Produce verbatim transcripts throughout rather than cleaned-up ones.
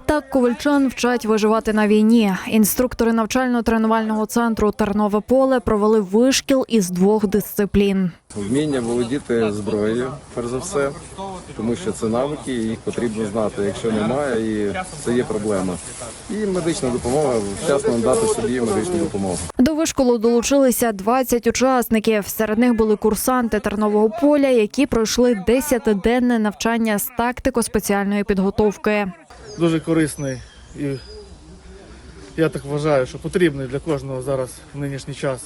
Так ковальчан вчать виживати на війні. Інструктори навчально-тренувального центру «Тернове поле» провели вишкіл із двох дисциплін. Вміння володіти зброєю, перш за все, тому що це навики, і їх потрібно знати. Якщо немає, і це є проблема. І медична допомога, вчасно надати собі медичну допомогу. До вишколу долучилися двадцять учасників. Серед них були курсанти «Тернового поля», які пройшли десятиденне навчання з тактико-спеціальної підготовки. Дуже корисний і, я так вважаю, що потрібний для кожного зараз в нинішній час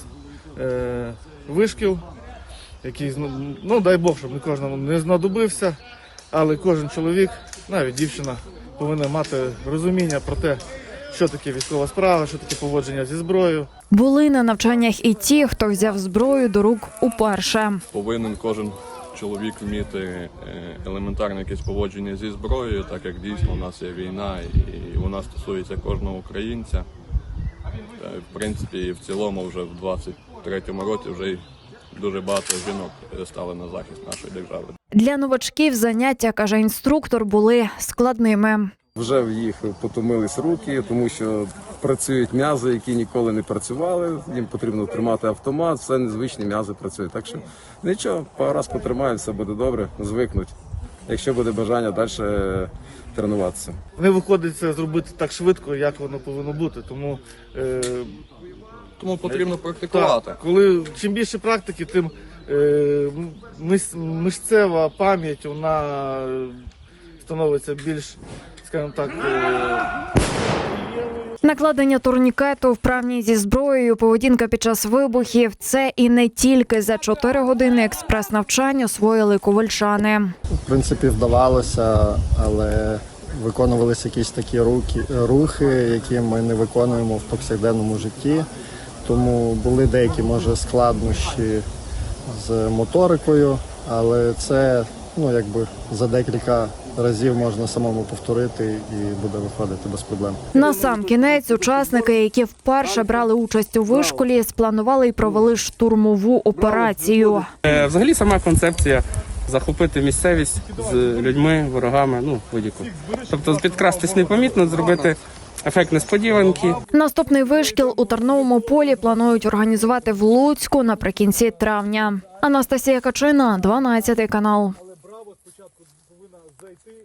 е, вишкіл, який, ну дай Бог, щоб не кожному не знадобився, але кожен чоловік, навіть дівчина, повинен мати розуміння про те, що таке військова справа, що таке поводження зі зброєю. Були на навчаннях і ті, хто взяв зброю до рук уперше. Повинен кожен чоловік вміти елементарне якесь поводження зі зброєю, так як дійсно у нас є війна і вона стосується кожного українця. Та, в принципі, і в цілому вже в двадцять третьому році вже дуже багато жінок стали на захист нашої держави. Для новачків заняття, каже інструктор, були складними. Вже в їх потомились руки, тому що працюють м'язи, які ніколи не працювали. Їм потрібно тримати автомат, все незвичні м'язи працюють. Так що нічого, пару раз потримають, все буде добре, звикнуть, якщо буде бажання далі тренуватися. Не виходить це зробити так швидко, як воно повинно бути, тому... Е, Тому потрібно практикувати. Так, коли чим більше практики, тим е, мис, мишцева пам'ять вона становиться більш, скажімо так, е... Накладення турнікету, вправність зі зброєю, поведінка під час вибухів – це і не тільки за чотири години експрес-навчань освоїли ковальчани. В принципі, вдавалося, але виконувалися якісь такі руки, рухи, які ми не виконуємо в повсякденному житті. Тому були деякі, може, складнощі з моторикою, але це, ну, якби за декілька разів можна самому повторити і буде виходити без проблем. Насамкінець учасники, які вперше брали участь у вишколі, спланували і провели штурмову операцію. Взагалі сама концепція захопити місцевість з людьми, ворогами, ну, будь-яку. Тобто підкрастись непомітно, зробити ефект несподіванки. Наступний вишкіл у Терновому полі планують організувати в Луцьку наприкінці травня. Анастасія Качина, дванадцятий канал.